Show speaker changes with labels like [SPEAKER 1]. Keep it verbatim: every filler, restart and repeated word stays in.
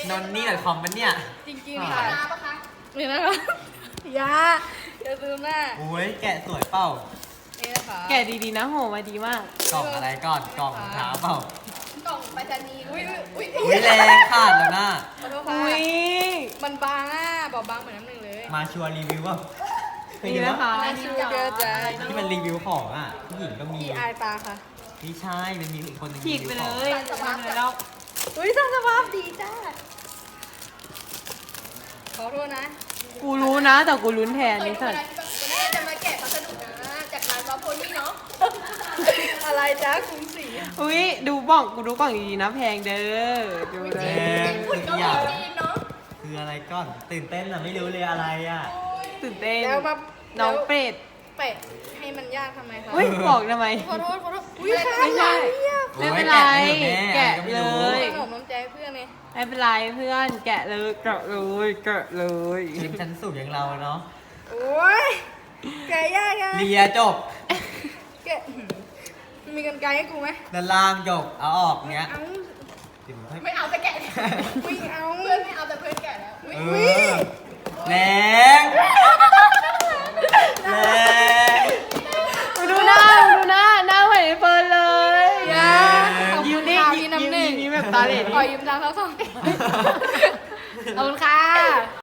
[SPEAKER 1] นนนี่ดอทคอมมันเนี่ย
[SPEAKER 2] จริงๆค่ะน้าปะคะนี่นะคะยาอย่าลืมหน้า
[SPEAKER 1] โอ้ยแกะสวยเปล่า
[SPEAKER 2] นี่นะคะ
[SPEAKER 3] แกะดีๆนะโหมาดีมาก
[SPEAKER 1] กล่องอะไรก่อนกล่องรองเท้าเปล่าก
[SPEAKER 2] ล่องไปรษณีย์อุ้ยอุ้ย
[SPEAKER 1] อุ้ยแรงขาดแล้วนะ
[SPEAKER 2] ขอโทษค่ะ
[SPEAKER 3] อุ้ย
[SPEAKER 2] มันบางอ่ะบอบบางเหมือนน้ำหนึ่งเลย
[SPEAKER 1] มาชัวร์รีวิวว่าเคย
[SPEAKER 3] นี่
[SPEAKER 1] ดู
[SPEAKER 3] นะ
[SPEAKER 1] ว่า
[SPEAKER 3] คะ
[SPEAKER 2] อันนี้ชูเกอร์ใจ
[SPEAKER 1] ที่มันรีวิวของอ่ะผู้หญิงก็มี
[SPEAKER 2] พี่อายตาค่ะ
[SPEAKER 1] ไม่ใช่มันมีอีกคนหนึง
[SPEAKER 3] ฉีกไปเล
[SPEAKER 1] รี
[SPEAKER 3] ย
[SPEAKER 1] วิวของ
[SPEAKER 3] ทำเลยแล้ว
[SPEAKER 2] อุ้ยสร้างสภาพดีจ้าขอโทษนะ
[SPEAKER 3] กูรู้นะ แต่กูลุ้นแทนนี่สัตว์
[SPEAKER 4] วันนี้จะมาแกะพัสดุนะจากร้านวาโพนี่เนาะ
[SPEAKER 2] อะไรจ้ากรุงศรี
[SPEAKER 3] อุ้ยดูบ้องกูดูกล่องดีๆนะแพงเด้อดูเล
[SPEAKER 1] แร
[SPEAKER 3] ย
[SPEAKER 1] ง
[SPEAKER 4] ฝุ่น
[SPEAKER 1] ทุ
[SPEAKER 4] ก็
[SPEAKER 1] กอ
[SPEAKER 4] มี
[SPEAKER 1] ย่าง
[SPEAKER 4] จีนเนาะ
[SPEAKER 1] คืออะไรก่อนตื่นเต้นอ่ะไม่รู้เลยอะไรอ่ะ
[SPEAKER 3] ตื่นเต้น
[SPEAKER 2] แล้วมา
[SPEAKER 3] น้องเป็ด
[SPEAKER 2] เปะให้มันยากทำไมคะ
[SPEAKER 3] อุ้ยบอกทำไม
[SPEAKER 2] ขอโทษขอโทษอุ้ย
[SPEAKER 3] ไม่ใช่
[SPEAKER 1] โอ้
[SPEAKER 3] ไม่
[SPEAKER 1] ย
[SPEAKER 3] เป็นไร
[SPEAKER 1] แกะ
[SPEAKER 3] แกะ
[SPEAKER 1] ไม่
[SPEAKER 3] เล
[SPEAKER 1] รู้
[SPEAKER 3] ย
[SPEAKER 2] ขนมน้ำใจเพื่อนไง
[SPEAKER 3] ไม่เป็นไรเพื่อนแกะเลยแกะเลยแกะเลย
[SPEAKER 1] ทีมชั้นสูงอย่างเราเนาะ
[SPEAKER 2] โอ้ยแกะยากไง
[SPEAKER 1] เลียจบ
[SPEAKER 2] แกะมีกันไกลให้กูไหม
[SPEAKER 1] ด้านล่างจบเอาออกเนี้ย
[SPEAKER 2] เอา
[SPEAKER 1] เดี๋ยวให้
[SPEAKER 4] ไม่เอาแต่แกะ
[SPEAKER 2] อุ้ยเอา
[SPEAKER 4] เพื่อนไม่เอาแต่เพื่อนแกะแล้วอุ๊ย
[SPEAKER 1] เออแรงแรง
[SPEAKER 3] ดูหน้าดูหน้าหน้าเหมือนไอ้เฟิร์นเลย
[SPEAKER 2] ยาขอบ
[SPEAKER 3] ยิ้
[SPEAKER 2] คุ
[SPEAKER 3] ม
[SPEAKER 2] ณ
[SPEAKER 3] ดิ
[SPEAKER 2] ค่ะ
[SPEAKER 3] ยิ้
[SPEAKER 2] พี่
[SPEAKER 3] ม
[SPEAKER 2] น้ำหนึ่ง
[SPEAKER 3] ยิ้มแบบตาเหล่
[SPEAKER 2] ขอยืมตังค์เขาสองขอบคุณค่ะ